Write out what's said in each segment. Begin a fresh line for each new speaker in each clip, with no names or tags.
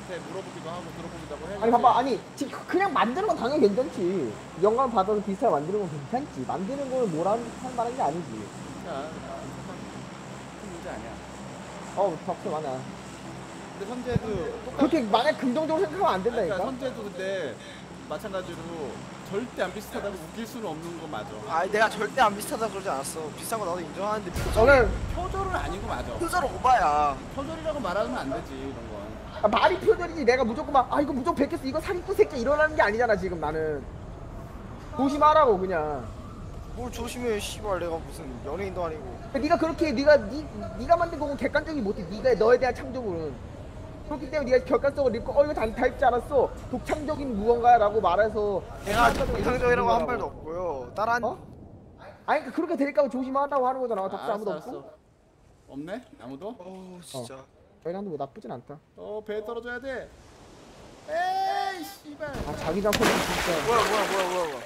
나한테 물어보기도 하고 들어보기도 하고 해야지.
아니 봐봐, 아니 지금 그냥 만드는 건 당연히 괜찮지. 영감 받아서 비슷하게 만드는 건 괜찮지. 만드는 거는 뭐라 할 만한 게 아니지.
자, 큰 문제 아니야.
박수 많아.
근데 선재도 똑같.
그렇게 만약 긍정적으로 생각하면 안
그러니까
된다니까.
선재도 근데 마찬가지로 절대 안 비슷하다고 웃길 수는 없는 거 맞아.
아 내가 절대 안 비슷하다 그러지 않았어. 비슷한 거 나도 인정하는데
저는
표절은 아닌 거 맞아.
표절 오바야.
표절이라고 말하면 안 되지 이런 건.
말이 표절이지. 내가 무조건 이거 무조건 베꼈어, 이거 사기꾼 새끼 이러라는 게 아니잖아 지금. 나는 조심하라고 그냥.
뭘 조심해 씨발. 내가 무슨 연예인도 아니고.
네가 그렇게 네가 만든 거고 객관적이 못해. 네가 너에 대한 창조물은 그렇기 때문에 네가 객관성을 읽고 이거 다 읽지 않았어, 독창적인 무언가라고 말해서.
내가 정상적이라고 한 말도 없고요. 따라한
아니 그러니까 그렇게 될까 조심하라고 하는 거잖아. 답사 아무도
알았어,
없고.
알았어. 없네? 아무도?
진짜.
저희랑도 뭐 나쁘진 않다.
배에 떨어져야 돼. 에이 씨발.
자기장 소리 진짜.
뭐야.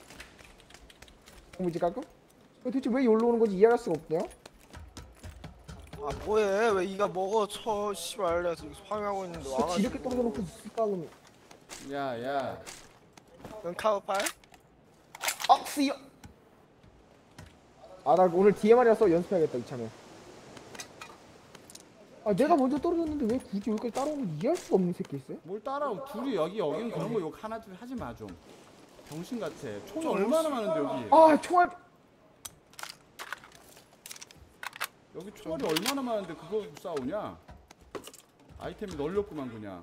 뭐지 가끔? 도대체 왜 여기로 오는 건지 이해할 수가 없네요.
아 뭐해? 왜 이가 먹어 쳐 씨발. 내가 지금 화면하고 있는데 와가지고.
이렇게 떨어져놓고 있을까 그러면.
야야.
넌 카우팔?
쓰여. 나 오늘 DMR이라서 연습해야겠다 이참에. 내가 먼저 떨어졌는데 왜 굳이 여기까지 따라오는 걸 이해할 수가 없는 새끼 있어요?
뭘 따라오. 둘이 여긴 그런 거 욕 하나 둘 하지 마 좀. 병신 같아. 총이 얼마나 많은데 여기.
총알.
여기 총알이 얼마나 많은데 그거 싸우냐? 아이템이 널렸구만 그냥.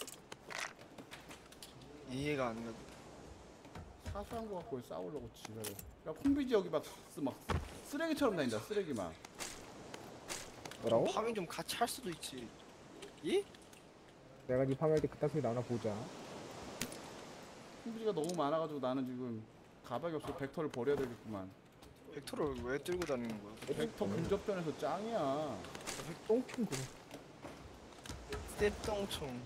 이해가 안 가.
사소한 거 갖고 싸우려고 지랄해. 야 콩비지 여기 막 쓰레기처럼 다닌다 쓰레기만.
뭐라고?
파밍 좀 같이 할 수도 있지. 이?
내가 니 파밍할 때 그딴 소리 나오나 보자.
콩비지가 너무 많아가지고 나는 지금 가방이 없어. 벡터를 버려야 되겠구만.
벡터를 왜 들고 다니는 거야?
벡터 근접전에서 짱이야.
똥총 그거.
떼똥총.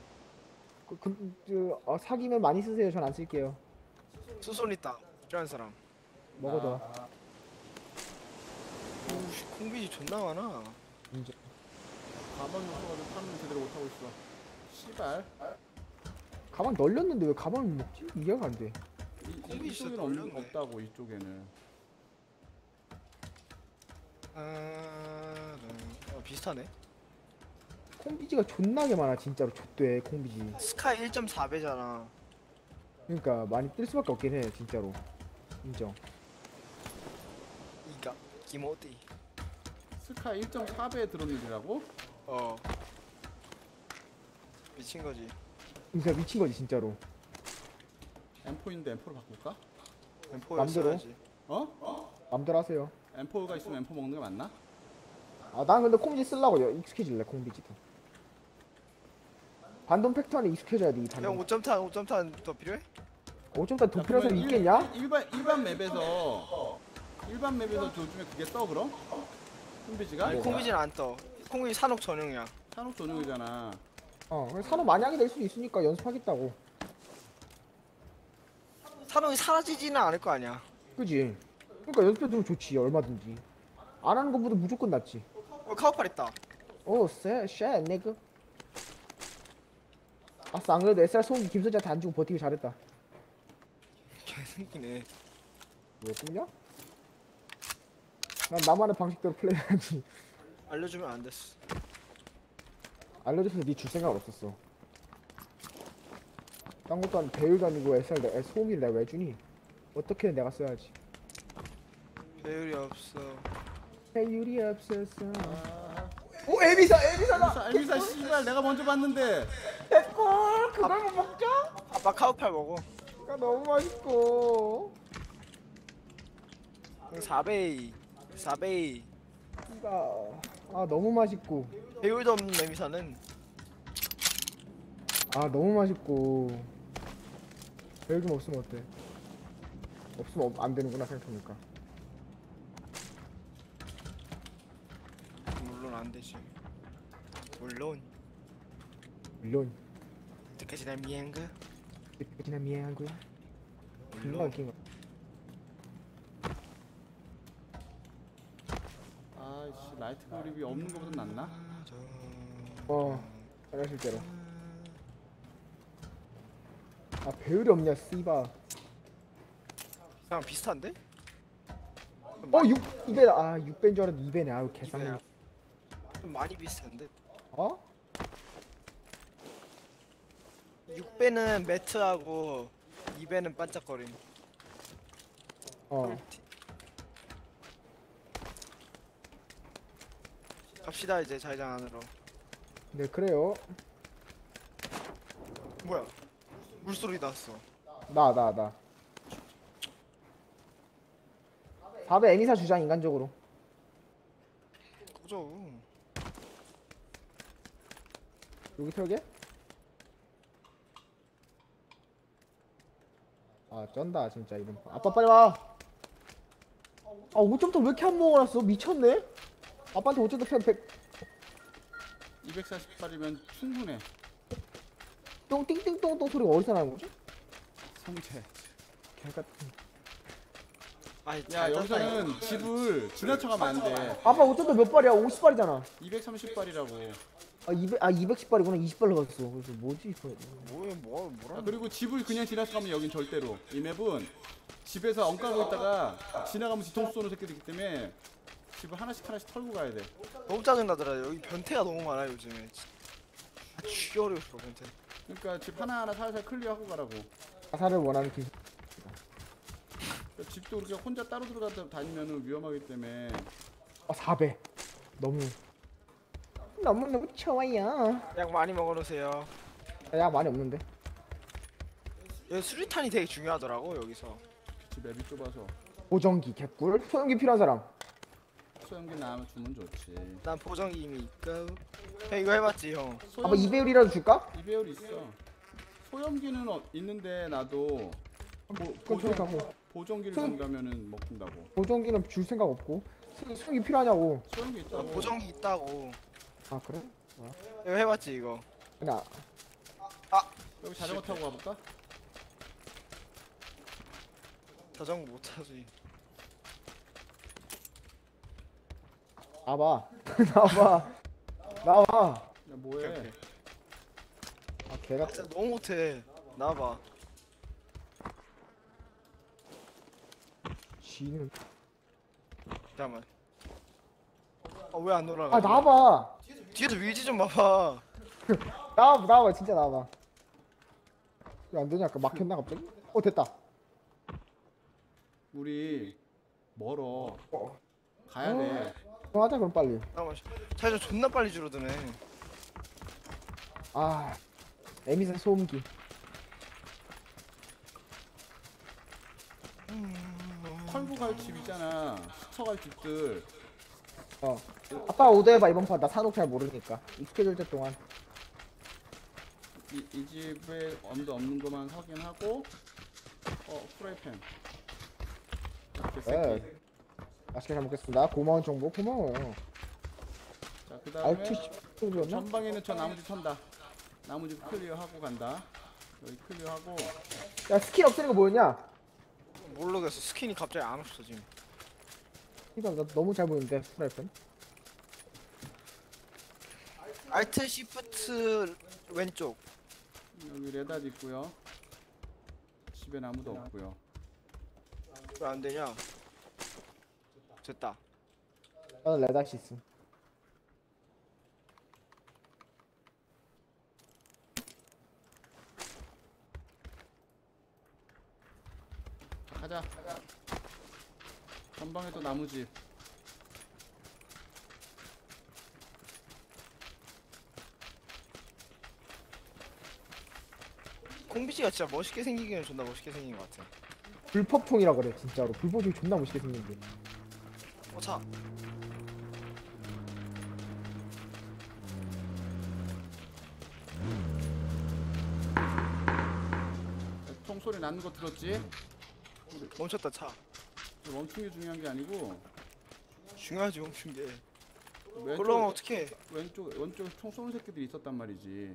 사기면 많이 쓰세요. 전 안 쓸게요.
수손 있다. 필요한 사람.
먹어둬.
오씨 콩비지 존나 많아.
인정.
가방이 없어가지고 파는 제대로 못하고 있어. 씨발.
가방 널렸는데 왜 가방을 못 먹지? 이해가 안 돼.
이쪽에는
진짜 널렸네.
없다고 이쪽에는.
비슷하네.
콩비지가 존나게 많아 진짜로. 좆돼 콩비지.
스카이 1.4배잖아.
그러니까 많이 뜰 수밖에 없긴 해 진짜로. 인정.
이가 기모디.
스카 1.4배에 들었는지라고?
미친 거지.
진짜 미친 거지 진짜로.
M4인데 M4로 바꿀까?
맘대로.
M4였어야지.
맘대로 하세요.
M4가 있으면 M4 먹는 게 맞나?
난 근데 콩비지 쓰려고 익숙해질래. 콩비지도. 반동 팩터 안에 익숙해져야 돼 이
형
반동.
5.탄 더 필요해?
5.4 도 필요한 사람 있겠냐?
일반 맵에서 요즘에 그게 떠 그럼? 콩비지가?
아니 콩비지는 안 떠. 콩비지 산옥 전용이야.
산옥 전용이잖아.
산업 만약이 될 수도 있으니까 연습하겠다고.
산옥이 사라지지는 않을 거 아니야.
그지? 그러니까 연습해두면 좋지 얼마든지. 안 하는 것보다 무조건 낫지.
카우팔 있다.
쉣 네그. 아싸, 안 그래도 SR 소음기 김선재한테 안 주고 버티기 잘했다.
개새끼네.
왜 꿈냐? 난 나만의 방식대로 플레이해야지.
알려주면 안 됐어.
알려줘서 니 줄 생각 없었어. 딴 것도 아니고 배율도 아니고 SR 소음기를 내가 왜 주니? 어떻게든 내가 써야지.
배율이 없어.
배율이 없었어.
오
에비사다.
알미사 씨발 내가 먼저 봤는데.
개꿀. 그걸 먹자.
아빠 카우팔 먹어.
그거 너무 맛있고.
4베이.
너무 맛있고.
배율도 없는 레미사는
너무 맛있고. 배율 좀 없으면 어때? 없으면 안 되는구나 생각해보니까.
물론 안 되지. 물론. 어떻게지 날 미안가?
그치나 미안한 거야. 금방
물론.
웃긴 거.
아이씨 라이트 그립이 없는 거보다 낫나?
잘하실대로. 아 배율이 없냐 씨바.
그냥 비슷한데?
2배. 아 6배인 줄 알았는데 2배네. 아유 개쌍이.
이배야. 좀 많이 비슷한데.
어?
6배는 매트하고 2배는 반짝거림.
어.
갑시다 이제 자기장 안으로.
네 그래요.
뭐야? 물소리 났어.
나 4배 애니사 주자 인간적으로.
꺼져.
여기 털게? 아 쩐다 진짜 이런. 아빠 빨리 와. 아 5점도 왜 이렇게 안 먹어놨어? 미쳤네? 아빠한테 5점도 편 100.
240발이면 충분해.
똥 띵띵똥똥 소리가 어디서 나는 거지?
성체.
개같은.
아니
야 여기서는 집을 지나쳐가면 안 돼.
아빠 5점도 몇 발이야? 50발이잖아.
230발이라고.
아 210발이구나. 20발로 갔어. 그래서 뭐지 이거.
뭐라?
아, 그리고 집을 그냥 지나쳐가면 여긴 절대로. 이 맵은 집에서 엉까고 있다가 지나가면 뒤통수 쏘는 새끼들 있기 때문에 집을 하나씩 털고 가야 돼.
너무 짜증나더라. 여기 변태가 너무 많아 요즘에. 아 쥐어려워 변태.
그러니까 집 하나하나 살살 클리어하고 가라고.
가사를 원하는 길.
그러니까 집도 그렇게 혼자 따로 들어가다 다니면 위험하기 때문에.
4배. 너무 좋아요.
약 많이 먹어놓으세요.
야 많이 없는데.
여기 수류탄이 되게 중요하더라고 여기서.
집 맵이 좁아서.
보정기 개꿀. 소형기 필요한 사람.
소형기 나오면 주면 좋지.
난 보정기 이미 있고. 형 이거 해봤지 형.
아빠 2배율이라도 줄까?
2배율 있어. 소형기는 있는데 나도
그건 저리 가고.
보정기를
소형-
준다면은 먹힌다고.
보정기는 줄 생각 없고. 소형기 필요하냐고.
소형기
나
있다고.
보정기 있다고.
아 그래?
이거 해봤지 이거.
나
여기 자전거 타고 가볼까?
자전거 못 타지.
나와봐. 나와봐. 나와.
야 뭐해?
오케이.
아 개가.
진짜 너무 못해. 나와봐.
쥐는.
잠깐만. 왜 안 올라가?
아 나와봐.
뒤에서 위지 좀 봐봐.
나와봐 진짜 나와봐. 왜 안 되냐? 아까 막혔나 갑자기? 됐다.
우리 멀어.
어.
가야 돼.
그럼 하자 그럼 빨리.
잠깐만. 자기장 존나 빨리 줄어드네.
아 에미사 소음기.
털고 갈 집 있잖아. 스쳐 갈 집들.
아빠 오더해봐 이번 판. 나 산옥 잘 모르니까. 익숙해질 때 동안.
이 집에 엄도 없는 것만 확인하고. 프라이팬.
네.
개새끼.
맛있게 잘 먹겠습니다. 고마운 정보 고마워요.
자 그다음에
알트 10%였나?
전방에는 저 나무집 턴다. 나무집 클리어하고 간다. 여기 클리어하고.
야 스킬 없애는 거 뭐였냐?
모르겠어. 스킨이 갑자기 안 없어 지금.
이거 나 너무 잘 보이는데 프라이팬.
알트 시프트 왼쪽.
여기 레닷 있고요. 집엔 아무도 없고요.
왜 안 되냐? 됐다.
나는 레다시스.
가자. 전방에 또 나무집.
콩비씨가 진짜 멋있게 생기기는 존나 멋있게 생긴 것 같아.
불폭풍이라 그래 진짜로. 불폭풍이 존나 멋있게 생긴데.
차.
총소리 나는 거 들었지?
멈췄다 차.
멈춘 게 중요한 게 아니고
중요하지 멈춘 게.
왼쪽
그러면 어떡해.
왼쪽에 총 쏘는 새끼들이 있었단 말이지.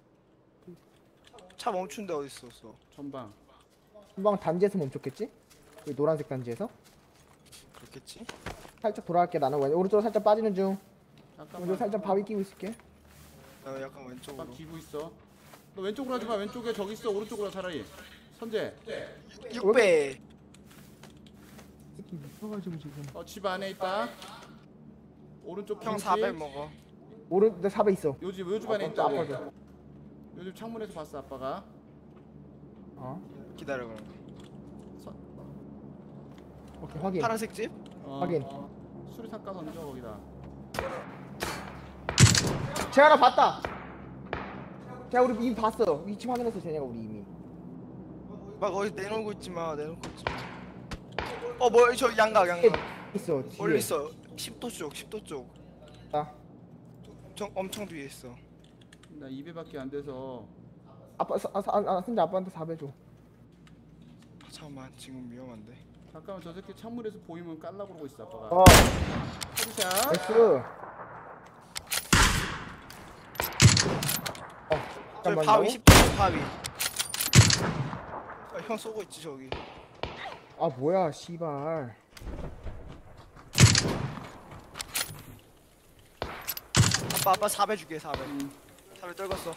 차 멈춘 데 어디 있었어?
전방.
금방 단지에서 멈췄겠지? 그 노란색 단지에서.
그렇겠지?
살짝 돌아갈게. 나는 오른쪽으로 살짝 빠지는 중.
잠깐만.
오른쪽 살짝 바위 끼고 있을게.
나 약간 왼쪽으로.
막 기고 있어. 너 왼쪽으로 하지 마. 왼쪽에 저기 있어. 오른쪽으로 와, 차라리. 선재.
6배.
새끼 미쳐가지고 지금.
집 안에 있다. 오른쪽
형
김치.
400 먹어.
오른 내 4배 있어.
요집 안에
아빠,
있다고.
아빠 줘.
요집 창문에서 봤어 아빠가.
어.
기다려 그럼.
오케이 확인.
파란색 집?
확인.
수리탄 까 던져 거기다.
재현아 봤다. 자 우리 이미 봤어. 위치 확인했어 쟤네가 우리 이미.
막 어디 내놓고 있지 마. 내놓고 있지 마. 뭐야 저 양각.
있어. 뒤에.
멀리 있어. 10도 쪽. 10도 쪽.
나.
엄청 뒤에 있어.
나 2배밖에 안 돼서.
근데 아빠한테 4배 줘.
잠깐만 지금 위험한데.
잠깐만 저 새끼 창문에서 보이면 깔라고 그러고 있어 아빠가.
어.
헤드샷.
나이스.
저기
잠깐만요.
바위 10도 바위. 형 쏘고 있지 저기.
아 뭐야 씨발.
아빠 4배 줄게 4배. 4배 떨궜어.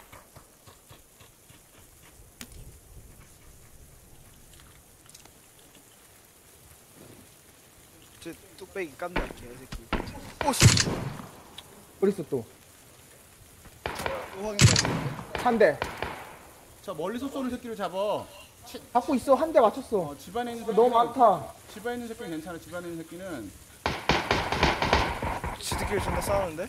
저 뚝배기 깐다 개새끼. 오씨.
어딨어 또.
또 확인돼.
한 대.
저 멀리서 쏘는 새끼를 잡어.
잡고 있어. 한 대 맞췄어.
집안에 있는 새끼는
너무 많다.
집안에 있는 새끼는 괜찮아. 집안에 있는 새끼는.
지들끼리 존나 싸우는데?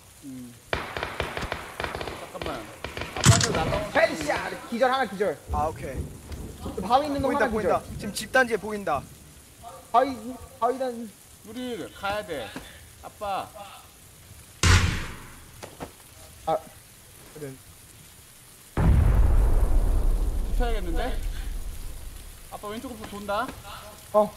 잠깐만. 아빠한테 날라온.
헤드샷. 기절 하나 기절.
아 오케이.
바위 있는 놈
보인다
하나 기절.
보인다. 지금 집단지에 보인다.
바위단.
우리 가야 돼. 아빠.
아. 그래.
붙어야겠는데? 아빠 왼쪽으로 돈다.
어.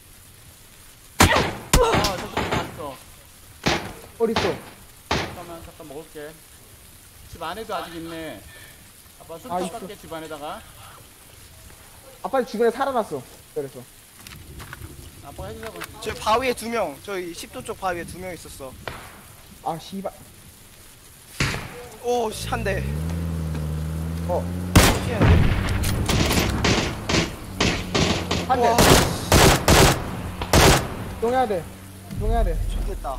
저쪽에 갔어.
어딨어?
잠깐 먹을게. 집 안에도 아직 있네. 아빠 술
아,
닦게 집 안에다가.
아빠 주변에 살아났어. 그래서.
아빠가 해주자고.
저 바위에 2명. 저기 10도 쪽 바위에 2명 있었어.
아 씨발.
오, 씨, 한 대.
어.
피했는데?
한 대.
와,
이동해야 돼. 이동해야 돼.
좋겠다.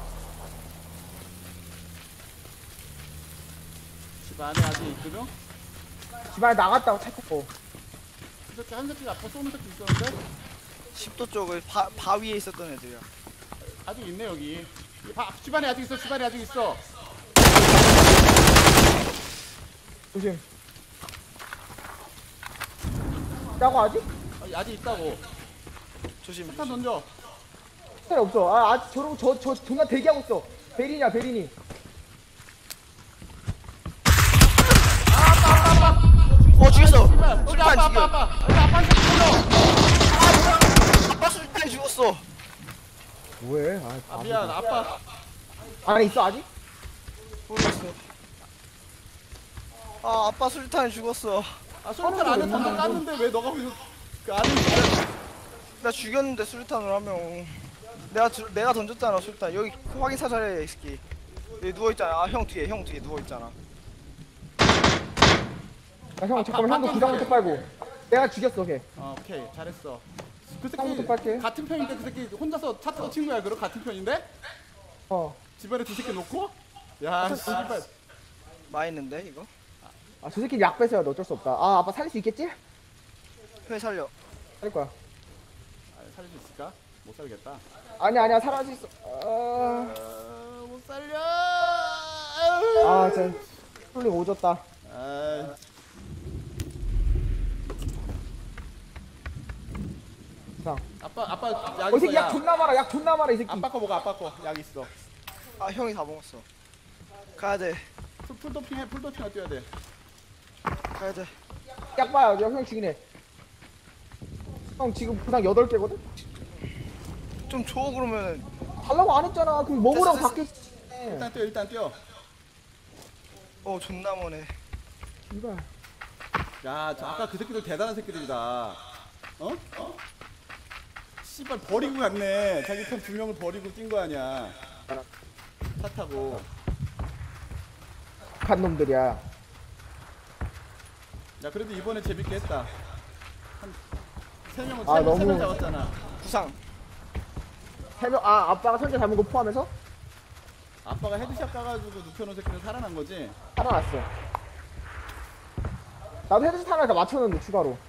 집 안에 아직 있거든?
집안에 나갔다고 차 타고.
그 새끼 한 새끼가 아빠 쏘는 새끼 있었는데?
10도 쪽을 바위에 있었던 애들이야.
아직 있네 여기. 집 안에 아직 있어. 집 안에 아직 있어.
조심. 짜고 아직?
아직 있다고.
조심.
폭탄 던져.
스타일 없어. 아, 아직 저러고 저 존나 대기하고 있어. 베린이야, 베린이.
죽였어.
우리 아빠
아빠 술탄이 죽었어.
뭐해?
아 미안 아빠.
안에 있어 아직?
모르겠어. 아, 아빠 술탄이 죽었어.
아 솔탄 안에 던져 깠는데 왜 너가 그 안에 있어?
나 죽였는데 술탄을 하면 내가 던졌잖아 술탄. 여기 확인 사살해 이 새끼. 여기 누워 있잖아. 아, 형 뒤에 누워 있잖아.
야, 형 잠깐만 형도 기상부터 빨고. 내가 죽였어 걔.
오케이 잘했어. 그
처음부터
새끼
빨게.
같은 편인데 그 새끼 혼자서 차 타고 친구야 그럼 같은 편인데?
어.
집안에 두 새끼 놓고? 야 씨발.
마있는데 이거?
아, 저 새끼 약 뺏어야 돼. 어쩔 수 없다. 아, 아빠 살릴 수 있겠지?
회 살려.
살릴 거야.
살릴 수 있을까? 못 살겠다.
아니야 살아날 수 있어.
못 살려.
아, 진짜 홀링 오졌다. 이상.
아빠 약
이
있어.
새끼 약 존나 많아. 약 존나 많아 이 새끼.
아빠 거 먹어 아빠 거. 약 있어.
아, 형이 다 먹었어. 가야 돼.
풀도핑 해. 풀도핑 뛰어야 돼.
가야 돼.
약 봐요. 형 죽이네. 형 지금 부상 8개거든?
좀 줘 그러면은.
달라고 안 했잖아. 그럼 먹으라고
됐어.
밖에.
일단 뛰어.
존나 머네.
이발.
야, 저 아까 그 새끼들 대단한 새끼들이다. 어? 씨발 버리고 갔네. 자기 편 2명을 버리고 뛴 거 아니야. 차 타고.
간 놈들이야.
야 그래도 이번에 재밌게 했다. 한 3명
아, 너무-
3명 잡았잖아.
구상.
3명, 아, 아빠가 선제 잡은 거 포함해서?
아빠가 헤드샷 까가지고 눕혀놓은 새끼는 살아난 거지.
살아났어. 나도 헤드셋 하나 더 맞췄는데, 추가로.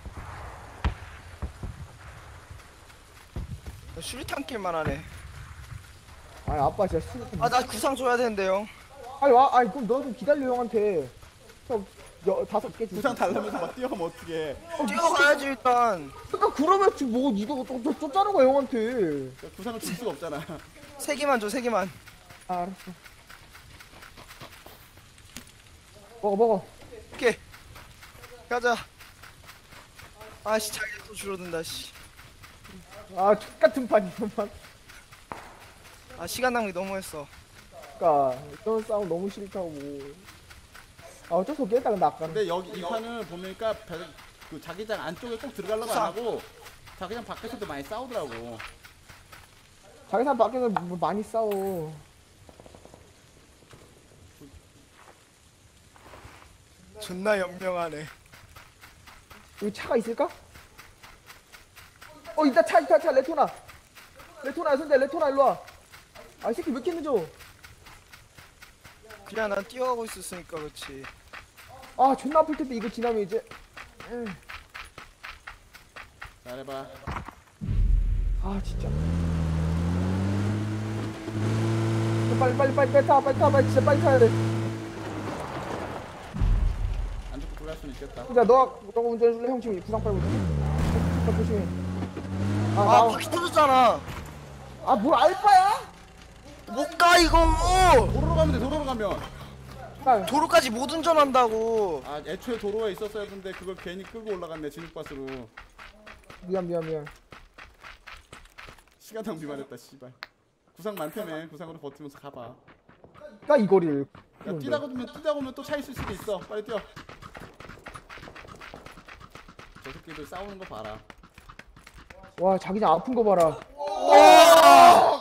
수류탄 킬만 하네.
아니, 아빠 진짜
아, 나 구상 줘야 되는데요.
아니, 와, 아니, 그럼 너 좀 기다려, 형한테. 형, 5개 줄.
부상 달라면서 막 뛰어가면 어떡해.
뛰어가야지 일단.
그러니까 그러면 지금 뭐, 니가 또 쫓자는 거야, 형한테.
그러니까 부상을 줄 수가 없잖아.
3개만 줘, 3개만.
아, 알았어. 먹어.
오케이. 가자. 아씨, 자기가 또 줄어든다, 씨.
아, X같은 판, 이것만.
아, 시간 낭비 너무 했어.
그니까, 이런 싸움 너무 싫다고. 아, 어쩔 수 없겠다, 근데 아까.
근데 여기 이 판은 보니까 그 자기장 안쪽에 꼭 들어가려고 안 하고 자기장 밖에서도 많이 싸우더라고.
자기 사람 밖에서 뭐 많이 싸워.
존나 연명하네.
여기 차가 있을까? 있다, 차, 레토나. 레토나, 선대, 레토나, 일로와. 아, 이 새끼 왜 이렇게 늦어?
그냥 난 뛰어가고 있었으니까 그렇지.
아, 존나 아플 텐데, 이거 지나면 이제.
잘해봐.
아, 진짜. 빨리 타, 진짜 빨리 타야 돼.
안 죽고 돌아갈 수는 있겠다.
야, 너가 운전해줄래? 형 지금 부상 빨고 있어. 조심해.
아,
아,
바퀴 터졌잖아.
뭘 알바야?
못 가 이거.
도로로 가면 돼. 도로로 가면.
아,
도로까지 못 운전한다고.
아 애초에 도로가 있었어야 했는데 그걸 괜히 끌고 올라갔네. 진흙밭으로.
미안.
시간 낭비만 했다. 씨발. 구상 많다며. 구상으로 버티면서 가봐.
이 거리를.
야 뛰다 보면 또 차 있을 수도 있어. 빨리 뛰어. 저 새끼들 싸우는 거 봐라.
와, 자기장 아픈 거 봐라.
오!